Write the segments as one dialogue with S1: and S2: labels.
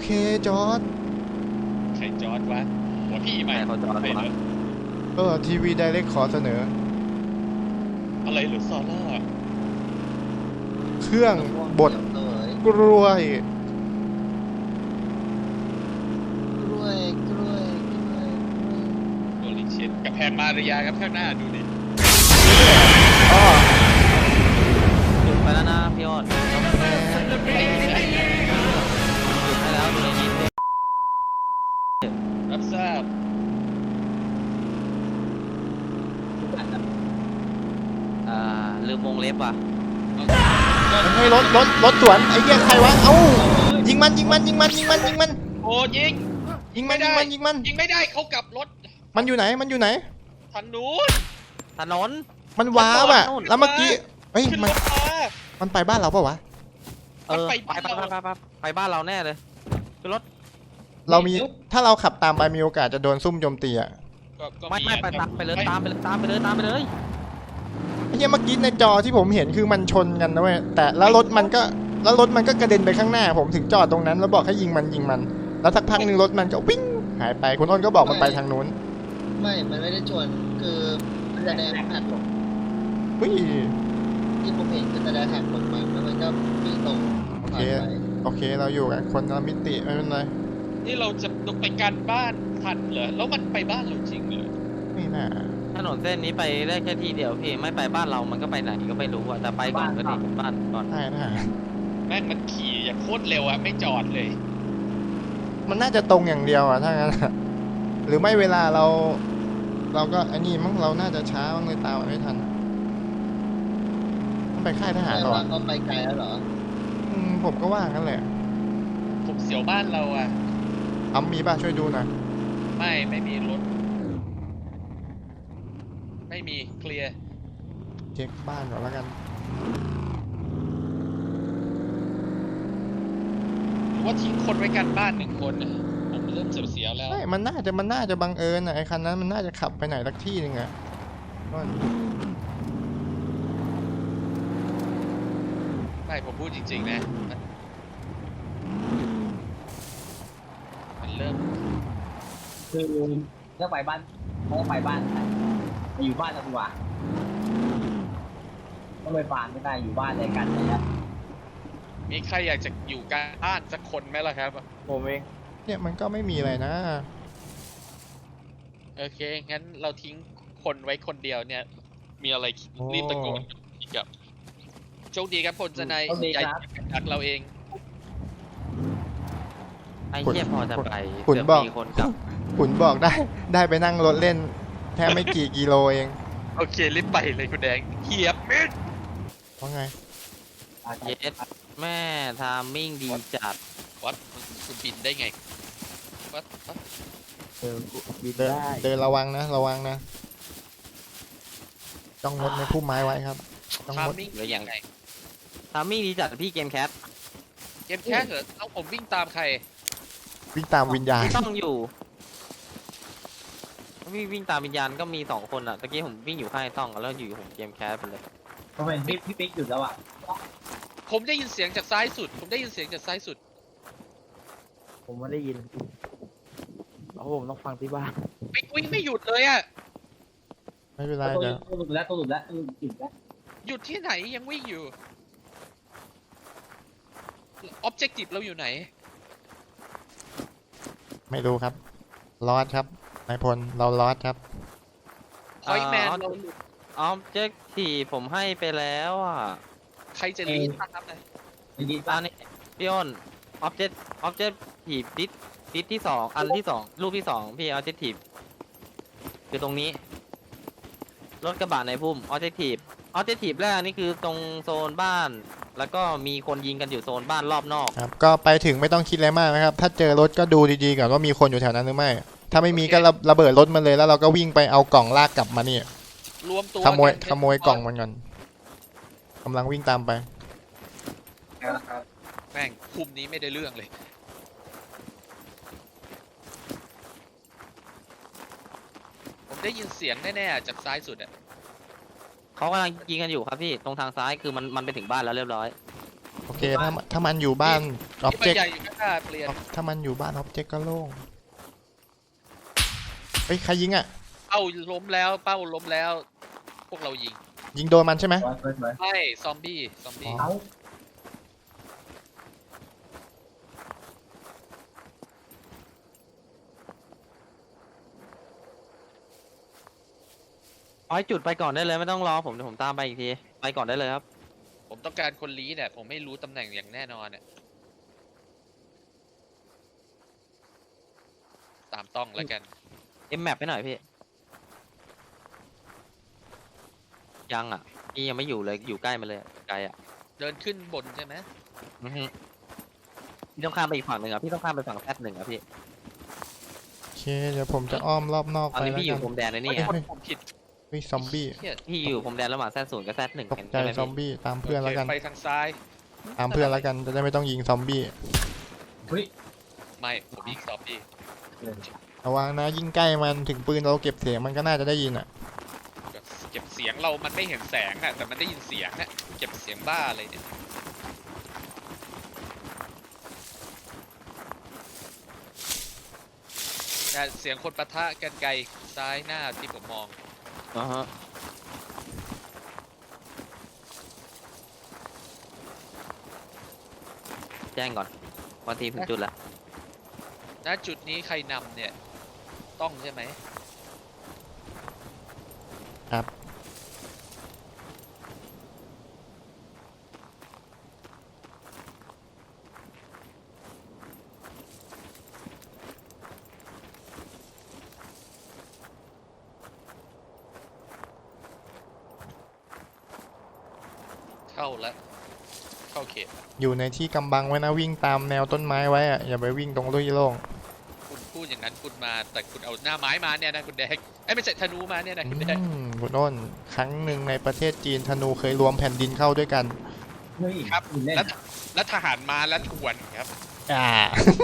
S1: เคจอร์ด
S2: ใครจอร์ดวะหัวพี่ใหม่
S3: เขาจอร์ดวะ
S1: ทีวีไดเรกขอเสนอ
S2: อะไรหรือซอล่า
S1: เครื่องบดกล้วย
S4: กล้วย
S2: โอลิเชนกับแพงมาริยาครับข้างหน้าดูดิ
S1: อ๋อ
S3: หยุดไปแล้วนะพี่อ้นหยุดให้แล้วดูในนี้
S2: รับทราบ
S3: ลืมวงเล็บว่ะ
S1: ให้รถสวนไอ้เหี้ยใครวะเอ้ายิงมัน
S2: โอ้ยิง
S1: ยิงมัน
S2: ยิงไม่ได้เขากลับรถ
S1: มันอยู่ไหน
S2: ทางนู้น
S3: ถนน
S1: มันว้าวอ่ะแล้วเมื่อกี้เฮ้ย
S2: ขึ้น
S1: มัน
S2: รถมา
S1: มันไปบ้านเราปะวะ
S3: ไปบ้านเราแน่เลยคือรถ
S1: เรามีถ้าเราขับตามไปมีโอกาสจะโดนซุ่มโจมตีอ่ะ
S2: ก็
S3: ไม่ไปตามไปเลยตามไปเลย
S1: ไอ้เหี้ยเมื่อกี้ในจอที่ผมเห็นคือมันชนกันนะเว้ยแต่แล้วรถมันก็กระเด็นไปข้างหน้าผมถึงจอดตรงนั้นแล้วบอกให้ยิงมันแล้วสักพักหนึ่งรถมันก็วิ่งหายไปคุณอ้นก็บอกมันไปทางนู้น
S4: มันไม่ได้ชวนคือมันแสดงหักหลบ
S1: เฮ้ย
S4: ที่ผมเห็นคือแสดงหักหลบมันแล้วมันก็วิ่งตรง
S1: โอเคเราอยู่กันคนละมิติไม่เป็นไร
S2: นี่เราจะต้องไปกันบ้านทันเหรอแล้วมันไปบ้านเราจริงเหรอ
S1: ไม่น่า
S3: ถนนเส้นนี้ไปได้แค่ทีเดียวพี่ไม่ไปบ้านเรามันก็ไปไหนก็ไม่รู้อะแต่ไปก่อนก็ดีบ้านก่อน
S1: ได้นะ
S2: แม่งมันขี่อย่างโคตรเร็วอะไม่จอดเลย
S1: มันน่าจะตรงอย่างเดียวอ่ะถ้างั้นอะหรือไม่เวลาเราก็อันนี้มั้งเราน่าจะช้าบ้างเลยตามมันไม่ทันมันไปค่ายทหาร
S4: แต่
S1: เหรอ
S4: ว่าเขาไปไกลแล้วเหรอ
S1: ผมก็ว่างั้นแหละ
S2: ผมเสียวบ้านเราอะ
S1: มีป่ะช่วยดูหน่อย
S2: ไม่มีรถไม่มีเคลียร์
S1: เช็คบ้านก่อนแล้วกัน
S2: หรือว่าทิ้งคนไว้กันบ้าน1 คนน่ะผมเริ่มเสียวๆแล้ว
S1: ไม่มันน่าจะบังเอิญอ่ะไอ้คันนั้นมันน่าจะขับไปไหนสักที่หนึงอ่ะก็
S2: ไม่ผมพูดจริงๆนะมันเริ่ม
S5: คือถ้าไปบ้านไปอยู่บ้านดีกว่าต้องไปฟาร์มไม่ได้อยู่บ้านด้วยกันนะครับ
S2: มีใครอยากจะอยู่กันบ้านสักคนไหมล่ะครับ
S3: ผมเอง
S1: เนี่ยมันก็ไม่มีอะไรนะ
S2: โอเคงั้นเราทิ้งคนไว้คนเดียวเนี่ย มีอะไรรีบตะโกนอีกครับโชคดีครับพลสนายใหญ่จากเราเอง
S3: ไอ้เหี้ยพอจะไป
S1: ขุนบอก
S3: มีคนกลับ
S1: ขุนบอกได้ไปนั่งรถเล่นแค่ไม่กี่กิโลเอง
S2: โอเครีบไปเลยคุณแดงเหยียบมิด
S1: ว่าไง
S3: เย็ดแม่ทามมิ่งดีจัด
S2: วัดคุณบินได้ไงวัด
S3: บิน
S1: เดินระวังนะต้องงดในพุ่มไม้ไว้ครับต้อง
S2: ทาม
S1: งด
S2: มิ่ง
S3: หรือยัง
S2: ไง
S3: ทามมิ่งดีจัดพี่เกมแคท
S2: เกมแค่เหรอเอาผมวิ่งตามใคร
S1: วิ่งตามวิญญาณ
S3: ต้องอยู่วิ่งตามวิญญาณก็มี2 คนอะตะกี้ผมวิ่งอยู่ข้างไอ้ต้องแล้วอยู่ผมเกมแคทไปเลย
S5: ผมเห็นพี่ปิ๊กหยุดแล้วอ่ะ
S2: ผมได้ยินเสียงจากซ้ายสุด ผมได้ยินเสียงจากซ้ายสุด
S6: ผมไม่ได้ยินเพราะผมต้องฟังที่บ้าน
S2: วิ่งไม่หยุดเลยอะ
S1: ไม่เป็นไร
S5: ตัว
S1: เดี๋ยว
S5: หลุดแล้วหยุดแล้ว
S2: หยุดที่ไหนยังวิ่งอยู่ออบเจกตีฟเราอยู่ไหน
S1: ไม่รู้ครับลอดครับนายพลเราลอดครับ
S2: พอยแมนเรา
S3: ออบเจกทีผมให้ไปแล้วอ่ะ
S2: ใครจะรีดครับนะ
S5: ได้ยิน
S3: อั
S5: ป่ะ
S3: นนี้พี่อ้นออบเจกทีดิสที่2อันที่2ลูกที่2พี่ออบเจกทีคือตรงนี้รถกระบะในพุ่มออบเจกทีแรกนี่คือตรงโซนบ้าน แล้วก็มีคนยิงกันอยู่โซนบ้านรอบนอก
S1: ครับก็ไปถึงไม่ต้องคิดอะไรมากนะครับ ถ้าเจอรถก็ดูดีๆก่อนว่ามีคนอยู่แถวนั้นหรือไม่ ถ้าไม่มีก็ระเบิดรถมันเลยแล้วเราก็วิ่งไปเอากล่องลากกลับมานี่
S2: รวมตัว
S1: ขโมย
S2: กัน
S1: ขโมยกล่องมันก่อนกำลังวิ่งตามไป
S2: แม่งคุมนี้ไม่ได้เรื่องเลย ผมได้ยินเสียงแน่ๆจากซ้ายสุดอะ
S3: เขากำลังยิงกันอยู่ครับพี่ตรงทางซ้ายคือมันไปถึงบ้านแล้วเรียบร้อย
S1: โอเคถ้ามันอยู่บ้านอ็อบ
S2: ที่
S1: เจกต์
S2: มันใหญ่อยู่ข้างหน้าเปลี่ยน
S1: ถ้ามันอยู่บ้านอ็อบเจกต์ก็โล่งเฮ้ยใครยิงอ่ะ
S2: เป้าล้มแล้วเป้าล้มแล้ว พวกเรายิง
S1: ยิงโดนมันใช่ไหม
S5: สวย
S2: ไม่ซอมบี้ซอมบี้
S5: เอา
S3: เอาให้จุดไปก่อนได้เลยไม่ต้องรอผมเดี๋ยวผมตามไปอีกทีไปก่อนได้เลยครับ
S2: ผมต้องการคนลี้เนี่ยผมไม่รู้ตำแหน่งอย่างแน่นอนเนี่ยตามต้องแล้วกัน
S3: เอ็มแมปไปหน่อยพี่ยังอ่ะพี่ยังไม่อยู่เลยอยู่ใกล้มาเลยไกลอ่ะ
S2: เดินขึ้นบนใช่ไหม
S3: อือฮึพี่ต้องข้ามไปอีกฝั่งหนึ่งอ่ะพี่ต้องข้ามไปฝั่งแพทหนึ่งอ่ะพี่
S1: โอเคเดี๋ยวผมจะอ้อมรอบนอก
S3: ตอน
S1: ไป
S3: นี้
S1: แล้ว
S3: พี่อ
S1: กั
S3: ยู่
S1: น
S3: พรมแดนเลยนี่
S2: เฮ้ย
S3: ไง
S2: ผมผิด
S1: เฮ้ยซอมบี้
S2: เหี้ย
S3: พี่อยู่พรมแดนระหว่างแซดศูนย์กับแซดหนึ่ง
S1: ตกใจ
S3: ใช่ไหม
S1: ซอม
S3: พี่
S1: บี้ตามเพื่อนแล้วกัน
S2: ไปทางซ้าย
S1: ตามเพื่อนแล้วกันจะได้ไม่ต้องยิงซอมบี้
S5: เฮ้ย
S2: ไม่ผมยิงซอมบี้
S1: ระวังนะยิ่งใกล้มันถึงปืนเราเก็บเสียงมันก็น่าจะได้ยินอ่ะ
S2: เก็บเสียงเรามันไม่เห็นแสงอะแต่มันได้ยินเสียงอะเก็บเสียงบ้าอะไรเนี่ยแต่เสียงคนปะทะกันไกลซ้ายหน้าที่ผมมอง
S3: อ่าฮะแจ้งก่อนวันทีมถึงจุดแล้ว
S2: ณจุดนี้ใครนำเนี่ย ต้องใช่ไหม
S1: ครับ
S2: เข้าแล้ว เข้าเขต
S1: อยู่ในที่กำบังไว้นะวิ่งตามแนวต้นไม้ไว้อะอย่าไปวิ่งตรงลุยโล่ง
S2: คุณพูดอย่างนั้นคุณมา แต่คุณเอาหน้าไม้มาเนี่ยนะคุณแดงไอ้ยไม่ใช่ธนูมาเนี่ยนะคุณแดง
S1: คุณอ้นครั้งหนึ่งในประเทศจีนธนูเคยรวมแผ่นดินเข้าด้วยกัน
S5: เฮ้ย
S2: ครับ
S5: คุณเล่น
S2: แล้วทหารมาแล้วทวนครับ
S1: อ่า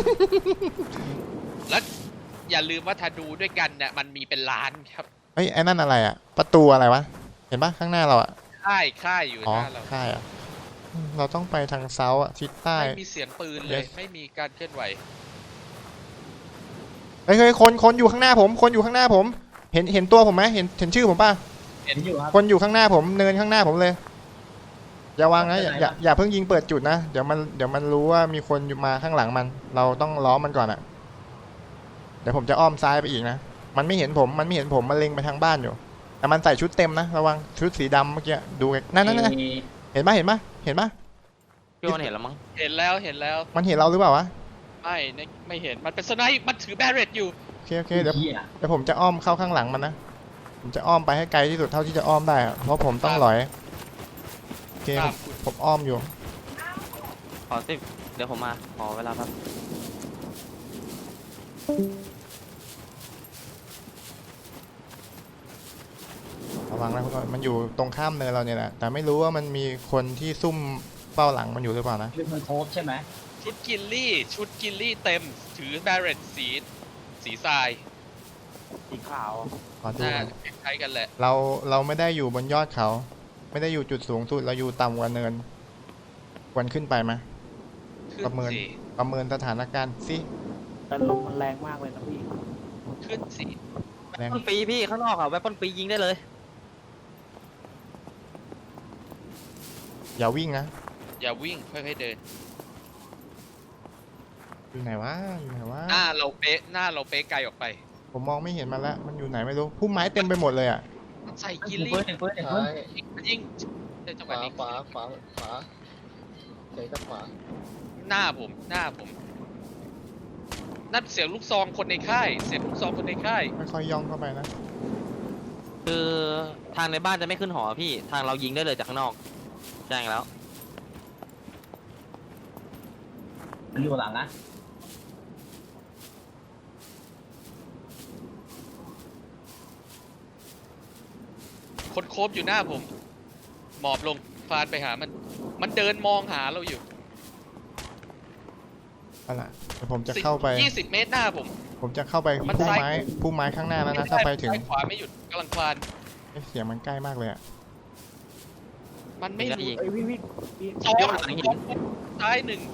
S2: แล้วอย่าลืมว่าธนูด้วยกันเนี่ยมันมีเป็นล้านครับ
S1: เฮ้ยไอ้นั่นอะไรอ่ะ ประตูอะไรวะ เห็นปะข้างหน้าเราอ่ะ
S2: ค่ายอยู่ห
S1: อ๋อ
S2: น้าเรา
S1: ค่ายอ่ะเราต้องไปทางเซาท์อ่ะทิศใต้
S2: ไม่มีเสียงปืนเลย
S1: Yes
S2: ไม่มีการเคลื่อนไหว
S1: เฮ้ยคนอยู่ข้างหน้าผม คนอยู่ข้างหน้าผม เห็นตัวผมไหมเห็นชื่อผมป่ะ
S5: เห็นอยู่ครับ
S1: คนอยู่ข้างหน้าผมเนินข้างหน้าผมเลย อย่าวางนะอย่าเพิ่งยิงเปิดจุดนะเดี๋ยวมันรู้ว่ามีคนอยู่มาข้างหลังมัน เราต้องล้อมมันก่อนอ่ะ เดี๋ยวผมจะอ้อมซ้ายไปอีกนะมันไม่เห็นผมมันเล็งไปทางบ้านอยู่ แต่มันใส่ชุดเต็มนะระวังชุดสีดำเมื่อกี้ดูนั่นเห็นปะ
S3: พี่อ้นเห็นแล้วมั้ง
S2: เห็นแล้วเห็นแล้ว
S1: มันเห็นเราหรือเปล่าวะ
S2: ไม่เห็นมันเป็นสไนป์มันถือแบเรตอยู่
S1: โอเคเดี๋ยว
S5: เหี้ย
S1: ผมจะอ้อมเข้าข้างหลังมันนะผมจะอ้อมไปให้ไกลที่สุดเท่าที่จะอ้อมได้อะเพราะผมต้องหลอยโอเค
S2: ตามคุณ
S1: ผมอ้อมอยู่
S3: ขอสิเดี๋ยวผมมาขอเวลาครับ
S1: ระวังนะคุณอ้อยมันอยู่ตรงข้ามเนินเราเนี่ยแหละแต่ไม่รู้ว่ามันมีคนที่ซุ่มเฝ้าหลังมันอยู่หรือเปล่านะ
S5: คือมันโคบใช่ไหม
S2: ชุดกิลลี่เต็มถือแบเรตสีทราย
S6: สีขาว
S1: ขอดู
S2: น่า
S1: ก่อน
S2: คล้ายๆกันแหละ
S1: เราไม่ได้อยู่บนยอดเขา ไม่ได้อยู่จุดสูงสุดเราอยู่ต่ำกว่าเนินควรขึ้นไปไหม
S2: ขึ้น
S1: ประเมิน
S2: สิ
S1: ประเมินสถานการณ์สิ
S6: แต่ลมมันแรงมากเลยนะพี่
S2: ขึ้นสิ
S1: แรง
S3: ต้นปีพี่ข้างนอกอ่ะแวปป้นปียิงได้เลย
S1: อย่าวิ่งนะ
S2: อย่าวิ่งค่อยๆเดิน
S1: อยู่ไหนวะ
S2: หน้าเราเป๊ะไกลออกไป
S1: ผมมองไม่เห็นมันแล้ว มันอยู่ไหนไม่รู้ พุ่มไม้เต็มไปหมดเลยอ่ะ
S2: มันใส่กิล
S5: เห็น
S2: ลี่
S5: เฟิร์สเห็นเฟิร์สเห็นเฟิ
S4: ซ้า
S5: ร์ส
S4: ย
S2: มันยิงในจังหะ
S4: ขวาว
S2: นี้
S4: ขวาใส่ทางขวา
S2: หน้าผมนั่นเสียงลูกซองคนในค่าย เสียงลูกซองคนในค่าย
S1: ค่อยๆย่องเข้าไปนะ
S3: คือทางในบ้านจะไม่ขึ้นหอพี่ทางเรายิงได้เลยจากข้างนอกแจ้งแล้ว
S5: มันอยู่หลังนะ
S2: คนโคบอยู่หน้าผม หมอบลงฟานไปหามัน มันเดินมองหาเราอยู่
S1: เอาล่ะเดี๋ยวผมจะเข้าไป
S2: 20 เมตรหน้าผม
S1: ผมจะเข้าไป
S2: มัน
S1: พุ่ม
S2: ซ้าย
S1: ไม้พุ่มไม้ข้างหน้าแล้วนะถ้าไปถึง
S2: ซ้ายขวาไม่หยุดกำลังคลาน
S1: เสียงมันใกล้มากเลยอ่ะ
S2: มันไม่รู้
S3: ยิง
S6: เอ้ยพี่
S2: สอง
S3: เดี๋ยวหลังหิน
S2: ซ้ายหนึ่ง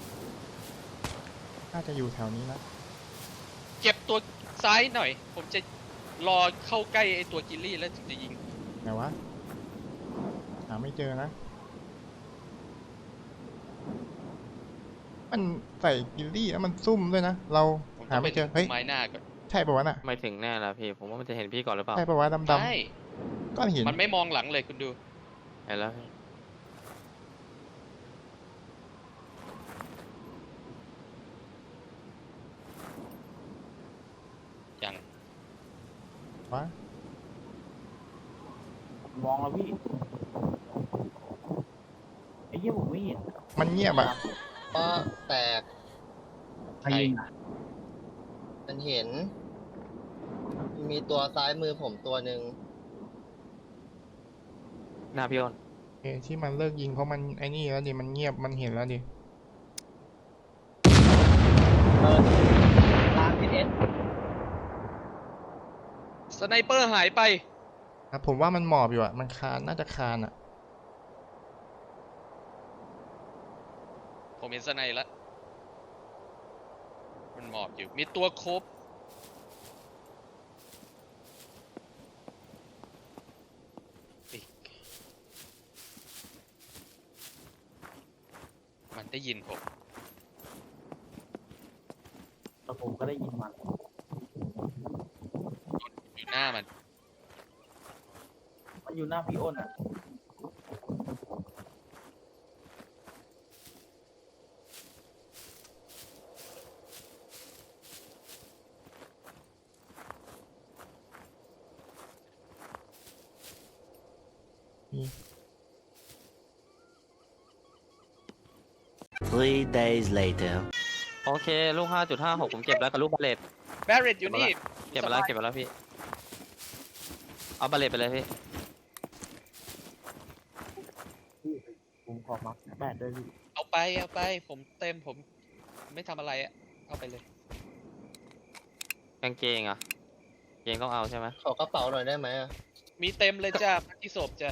S1: น่าจะอยู่แถวนี้นะ
S2: เก็บตัวซ้ายหน่อย ผมจะรอเข้าใกล้ไอ้ตัวกิลลี่แล้วถึงจะยิง
S1: ไหนวะหาไม่เจอนะ มันใส่กิลลี่แล้วมันซุ่มด้วยนะ เรา
S2: ผม
S1: หา
S2: ต้องไป
S1: ไม่เจอ เฮ้ย
S2: ไม้หน้าก่อน
S1: ใช่ปะวะน่ะ
S3: ไม่ถึงแน่ละพี่ ผมว่ามันจะเห็นพี่ก่อนหรือเปล่า
S1: ใช่ปะวะดำ
S2: ใช่
S1: ๆก้อนหิน
S2: มันไม่มองหลังเลยคุณดู
S3: เห็นแล้วพี่
S2: อย่าง
S1: วะ
S6: มองแล้วพี่ไอ้เหี้ยผมไม่เห็น
S1: มันเงียบอะ
S4: ก็แตก
S5: ใครยิงอ่ะ
S4: มันเห็น มีตัวซ้ายมือผมตัวหนึ่ง
S3: หน้าพี่อ้น
S1: เอที่มันเลิกยิงเพราะมันไอ้นี่แล้วดิ มันเงียบ มันเห็นแล้วดิ
S5: ทางพีเอส
S2: สไนเปอร์หายไป
S1: ครับผมว่ามันหมอบอยู่อะมันคาน น่าจะคานอะ
S2: ผมเห็นสไนแล้ว มันหมอบอยู่ มีตัวโคบอีกมันได้ยินผม
S6: แต่ผมก็ได้ยินมัน
S2: อยู่หน้ามัน
S6: มันอยู่หน้าพี่อ้นอ่ะ
S7: 3 days later.
S3: โอเค ลูก 5.56 ผมเก็บแล้วกับลูกบาเลต
S2: แบรเรตอยู่นี่
S3: เก็บมาแล้วเก็บมาแล้วพี่ เอาบาเลตไปเลยพี่
S6: ผมขอมาแปดด้วยพี่
S2: เอาไป เอาไป ผมเต็ม ผมไม่ทำอะไรอะเอาไปเลย
S3: กางเกงอ่ะเกงต้องเอาใช่ไหม
S4: ขอกระเป๋าหน่อยได้ไหมอะ
S2: มีเต็มเลยจ้าที่ศพจ้ะ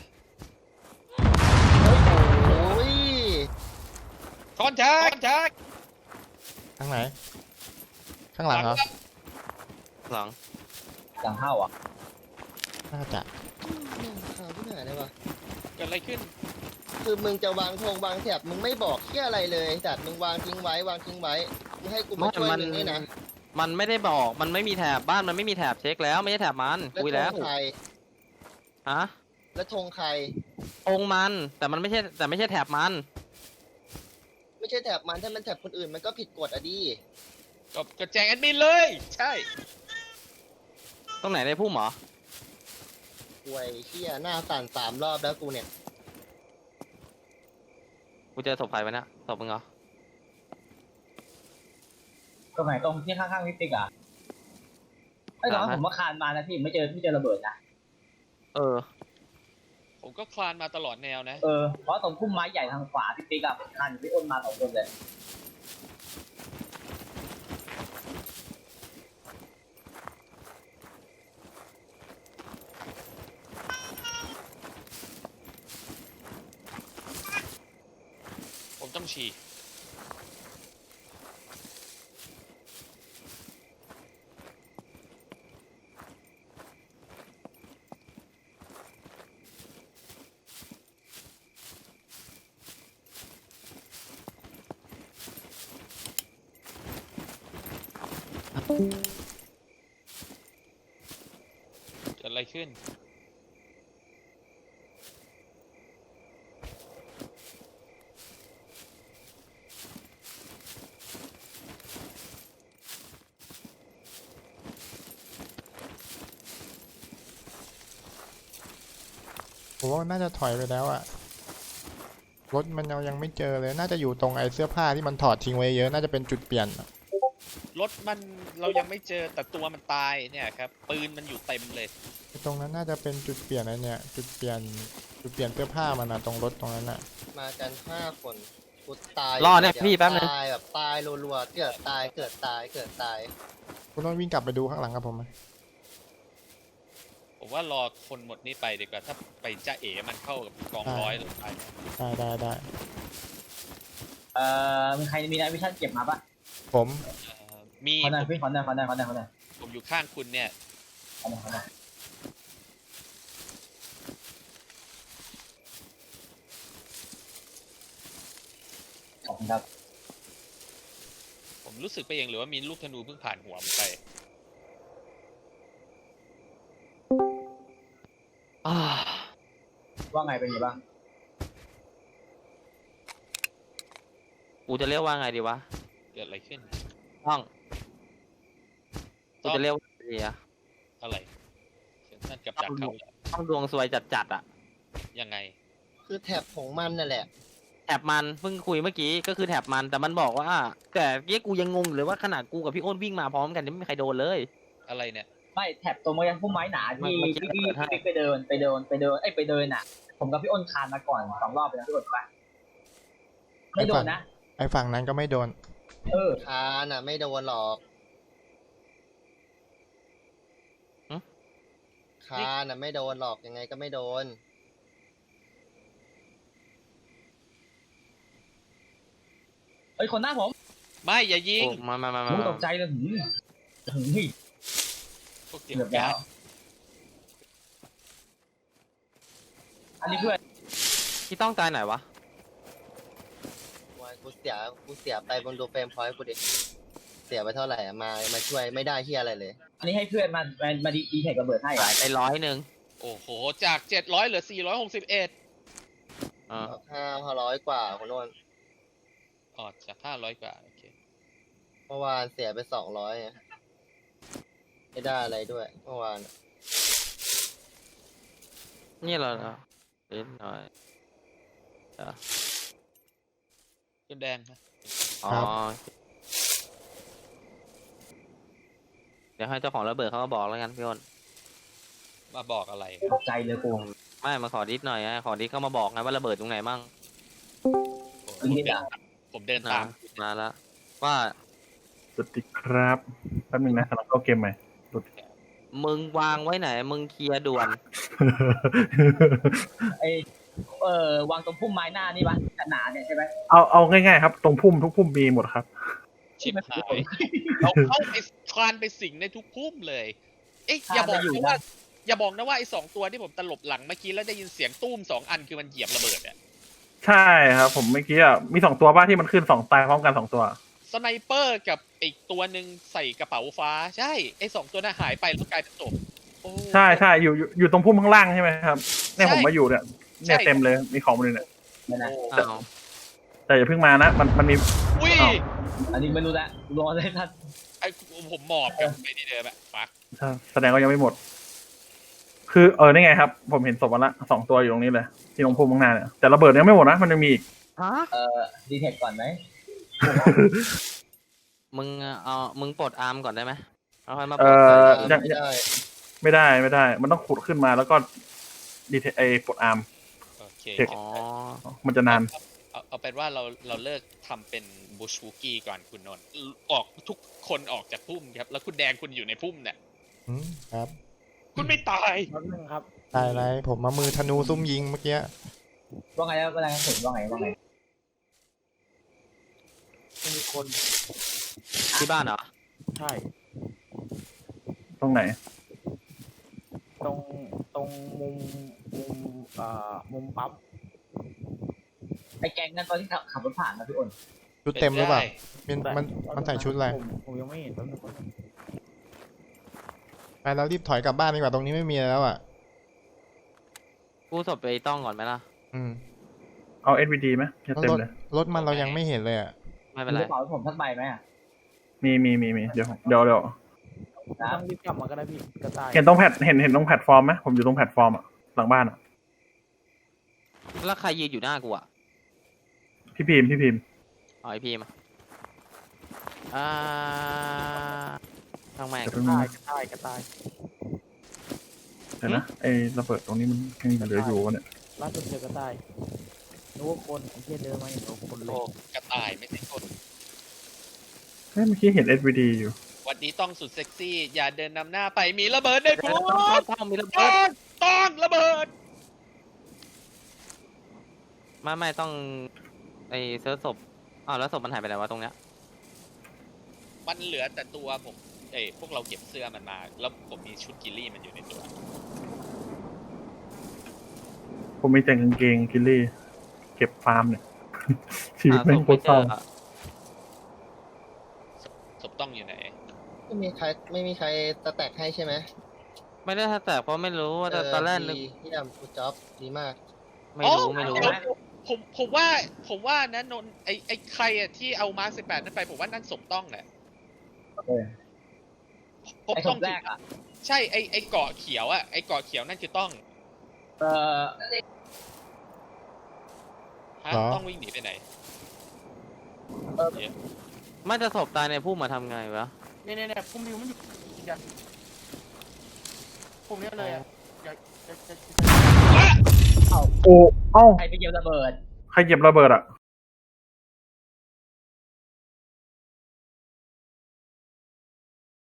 S4: โอ้ย
S2: คอนแทคแทค
S1: ข้างไหน ข้างหลังเหรอ
S3: หลัง
S5: หลังเข้าอ่ะ
S1: น่าจะ
S4: ข่าวที่ไหนเลยวะ
S2: เกิดอะไรขึ้น
S4: คือมึงจะวางธงวางแถบมึงไม่บอกเที่ยอะไรเลยจัดมึงวางทิ้งไว้วางทิ้งไว้มึงให้กูมาช่วยมึงนี่นะ
S3: มันไม่ได้บอก มันไม่มีแถบบ้านมันไม่มีแถบเช็คแล้วไม่ใช่แถบมัน
S4: แล้ว
S3: คุย
S4: ธ
S3: แล้ว
S4: งใคร
S3: อะ
S4: แล้วธงใคร
S3: องค์มันแต่มันไม่ใช่แต่ไม่ใช่แถบมัน
S4: ไม่ใช่แถบมันถ้ามันแถบคนอื่นมันก็ผิดกฎอะดิ
S2: ก็แจ้งแอดมินเลย ใช่
S3: ตรงไหนในพุ่มเหรอ
S4: ป่วยเที่ยหน้าสั่น3 รอบแล้วกูเนี่ย
S3: กูเจอศพใครไปเนี่ยศพมึงเหรอ
S5: ตรงไหนตรงที่ข้างๆพิติกอ่ะไอ้ตอนนั้นผมว่าคานมานะพี่ไม่เจอระเบิดนะ
S3: เออ
S2: ผมก็คลานมาตลอดแนวนะ
S5: เพราะตรงพุ่มไม้ใหญ่ทางขวาพิติกอ่ะคานอยู่พี่อ้นมา2 คนเลย
S2: ผมต้องฉี่ เกิดอะไรขึ้น
S1: ผมว่ามันน่าจะถอยไปแล้วอะรถมันยังไม่เจอเลย น่าจะอยู่ตรงไอ้เสื้อผ้าที่มันถอดทิ้งไว้เยอะ น่าจะเป็นจุดเปลี่ยนอะ
S2: รถมันเรายังไม่เจอแต่ตัวมันตายเนี่ยครับ ปืนมันอยู่เต็มเลย
S1: ไอ้ตรงนั้นน่าจะเป็นจุดเปลี่ยนไอ้เนี่ย จุดเปลี่ยนเสื้อผ้ามันอะตรงรถตรงนั้นอะ
S4: มากัน5 คนกูตาย
S3: รอเนี่ยพี่แป๊บนึง
S4: ตายแบบตายรัวๆเกิดตายเกิดตายเกิดตาย
S1: คุณต้องวิ่งกลับไปดูข้างหลังกับผมไหม
S2: ผมว่ารอคนหมดนี่ไปดีกว่าถ้าไปจ้าเอ๋มันเข้ากับกองร้อยหรือไป
S1: ได้
S5: มีใครมีนายวิชั่นเก็บมาปะ
S1: ผม
S2: มี
S5: ขอหน่อยพี่ขอหน่อย
S2: ผมอยู่ข้างคุณเนี่ย
S5: ขอหน่อยขอบคุณครับ
S2: ผมรู้สึกไปเองหรือว่ามีลูกธนูเพิ่งผ่านหัวผมไป
S3: อ่า
S5: ว่าไงเป็นไงบ้าง
S3: กูจะเรียกว่าไงดีวะ
S2: เกิดอะไรขึ้น
S3: ต้องกูจะเรียกว่าไงดีอะ
S2: อะไรนั่นกับดักเขาเหรอ
S3: ต้องดวงซวยจัดๆอะ
S2: ยังไง
S4: คือแท็บของมันนั่นแหละ
S3: แถบมันเพิ่งคุยเมื่อกี้ก็คือแถบมันแต่มันบอกว่าแต่เกี้กูยังงงอยู่เลยว่าขนาดกูกับพี่อ้นวิ่งมาพร้อมกันยังไม่มีใครโดนเลย
S2: อะไรเนี่ย
S5: ไม่แท็บตรงมาพุ่มไม้หนาที่
S3: มัน
S5: ที่
S3: เปิดให้
S5: ไปเดินไปเดินอ่ะ ผมกับพี่อ้นคานมาก่อน2 รอบไปแล้วพี่อ้นปะไม่โดนนะ
S1: ไอ้ฝั่งนั้นก็ไม่โดน
S4: คานอ่ะไม่โดนหรอกคานอ่ะไม่โดนหรอกยังไงก็ไม่โดน
S5: เอ้ยคนหน้าผม
S2: ไม่อย่ายิง
S3: โอ้มา
S5: ผมตกใจเลยหืม
S2: พวกเดียว
S5: เกือบแล้ว อันนี้เพื่อน
S3: ที่ต้องตายไหนวะ
S4: วันกูเสียไปบนดูเฟรมพอยต์กูดิเสียไปเท่าไหร่อะมาช่วยไม่ได้เฮียอะไรเลย
S5: อันนี้ให้เพื่อนมาดีแท็กระเบิดให้
S3: หายไป100
S2: โอ้โหจาก700เหลือ461
S3: อ่า
S4: 500 กว่าคนโน้น
S2: อ๋อจาก500กว่าโอเค
S4: เมื่อวานเสียไป200ไงไม่ได้อะไรด้วยเมื่อวาน
S3: นี่เหรอเล็กน้อย
S2: ขึ้นแดงนะ
S3: อ๋อเดี๋ยวให้เจ้าของระเบิดเขามาบอกแล้วกันพี่อ้น
S2: มาบอกอะไร
S5: ตกใจเลยกู
S3: ไม่มาขอดิสหน่อยไงขอดิสเข้ามาบอกไงว่าระเบิดตรงไหนมั่ง
S2: ผมเดินผมเดินตาม
S3: มาแล้วว่า
S8: สวัสดีครับแป๊บนึงนะกำลังเข้าเกมใหม่
S3: มึงวางไว้ไหนมึงเคลียร์ด่วน
S5: ไอวางตรงพุ่มไม้หน้านี่ปะหนาเนี่ยใช่ไหม
S8: เอาง่ายๆครับ ตรงพุ่มทุกพุ่มมีหมดครับ
S2: ชิบหายเราเข้าไปคลานไปสิงในทุกพุ่มเลย เอ๊ะอย่าบอกนะว่าไอ้2 ตัวที่ผมตลบหลังเมื่อกี้แล้วได้ยินเสียงตุ้ม2 อันคือมันเหยียบระเบิดอะ
S8: ใช่ครับ ผมเมื่อกี้อ่ะมี2 ตัวบ้าที่มันขึ้น2 ตายพร้อมกัน2 ตัว
S2: สไนเปอร์กับอีกตัวหนึ่งใส่กระเป๋าฟ้าใช่ไอ้2 ตัวน่ะหายไปแล้วกลายเป็นศพโอ้
S8: ใช่อยู่ตรงพุ่มข้างล่างใช่ไหมครับเนี่ยผมมาอยู่เนี่ยเต็มเลยมีของหมดเลยเนี่ย
S5: ไม่นะ
S3: อ้าว
S8: แต่อย่าเพิ่งมานะมันมี
S2: อุ้ย
S8: อ้าว
S5: อันนี้ไม่รู้ละรอเลยท่าน
S2: ไอ้ผมหมอบกับไอ้ที่เดิมอะฟัก
S8: แสดงว่ายังไม่หมด คือนี่ไงครับ ผมเห็นศพมันละ2 ตัวอยู่ตรงนี้เลยที่ตรงพุ่มข้างหน้าเนี่ยแต่ระเบิดยังไม่หมดนะมันยังมีอีก
S3: ฮะ
S5: ดีแท็กก่อนไหม
S3: มึงปลดอาร์มก่อนได้ไหมเอาค่อยมาป
S8: เอ
S3: ลด
S8: อ
S3: ใส่
S8: ยัง ไม่ได้ มันต้องขุดขึ้นมาแล้วก็ดีเทปลดอาร์ม
S2: โอเค
S8: เช็ค
S3: อ๋อ
S8: มันจะนาน
S2: เอาเป็นว่าเราเลิกทำเป็นบูชวูกี้ก่อนคุณนนท์ออกทุกคนออกจากพุ่มครับ แล้วคุณแดงคุณอยู่ในพุ่มเนี่ย
S1: ครับ
S2: คุณไม่ตาย
S6: แป๊บนึงครับ
S1: ตายไรผมมามือธนูซุ่มยิงเมื่อกี้
S5: ว่าไงแล้วว่าไงผมว่าไง
S6: มีคน
S3: ที่บ้านเหรอ
S6: ใช่
S8: ตรงไหน
S6: ตรงมุมมุมปั๊ม
S5: ไอแกงนั้นตอนที่ขับรถผ่านนะพี่อ้น
S1: ชุดเต็มหรือเปล่า
S2: ป็นได้
S1: มันใส่ชุดอะไร
S6: ผมยังไม่เห็นแป๊บนึง
S1: ไปแล้วรีบถอยกลับบ้านดีกว่าตรงนี้ไม่มีแล้วอ่ะ
S3: กู้ศพไปต้องก่อนไหมล่ะ
S1: อืม
S8: เอา SVD ไหมจะเต็ม
S1: รถ
S8: เลย
S1: รถมันเรายังไม่เห็นเลยอ่ะ
S3: ไม่เป็นไร
S5: กระเป๋าผมทักใบไหมอ่ะ
S8: มีเดี๋ยว
S6: ต้องรีบกลับมาก็ได้พี่กระต่าย
S8: เห็นตรงเห็นตรงแพลตฟอร์มไหมผมอยู่ตรงแพลตฟอร์มอ่ะหลังบ้านอ่ะ
S3: แล้วใครยืนอยู่หน้ากูอ่ะ
S8: พี่พิมพ์
S3: อ๋อไอพีมาทางแม่ง
S8: จะเพิ่ง
S6: กระต่าย
S8: เดี๋ยวนะไอ้ระเบิดตรงนี้มันยังเหลืออยู่วะเนี่ย
S6: ล่าสุดเจอกระต่ายนึกว่าคนไอ้เหี้ยเดินมาเห็นว่าคนเล
S2: โอ้
S6: ย
S2: กระต่ายไม่ใช่คน
S8: เฮ้ยเมื่อกี้เห็น SVD อยู่
S2: ไววันนี้ต้องสุดเซ็กซี่ อย่าเดินนำหน้าไปมีระเบิดในพุ่ม
S3: ต้องมีระ
S2: ต้
S3: เบิ
S2: อ
S3: ด
S2: งต้องระเบิด
S3: ไม่ต้องไอเซิร์ชศพอ้าวแล้วศพมันหายไปไหนวะตรงเนี้ย
S2: มันเหลือแต่ตัวผมพวกเราเก็บเสื้อมันมา แล้วผมมีชุดกิลลี่มันอยู่ในตัว
S8: ผมมีแต่กางเกงกิลลี่ เก็บฟาร์มเนี่ย ชีวิตแม่งโคตรเศร้า
S2: ศพต้องอยู่ไหน
S4: ไม่มีใครสแต็กให้ใช่ไหม
S3: ไม่ได้แต่เพราะไม่รู้ว่าตอนแรกนึก
S4: ดีเยี่ยมกูจ๊อบดีมาก
S3: ไม่รู้
S2: เดี๋ยวผมว่านะนนท์ไอ้ใครอะที่เอามาร์ค18นั่นไปผมว่านั่นศพต้องแหละผม
S5: ไอ้ศ
S2: ต้อง
S5: พแรกอ่ะ
S2: ใช่ไอ้เกาะเขียวอะไอ้เกาะเขียวนั่นคือต้อง
S5: เออ
S2: ฮะ
S1: เหรอ
S2: ต้องวิ่งหนีไปไหน
S3: ไม่จะศพตายในพุ่มมาทำไงวะ
S6: เนี่ยพุ่มดิวมันอยู่กันพุ่มนี้เลยอ่ะ
S8: โอ้ เอ้า
S5: ใครไปเก็บระเบิด
S8: ใครเก็บระเบิดอ่ะ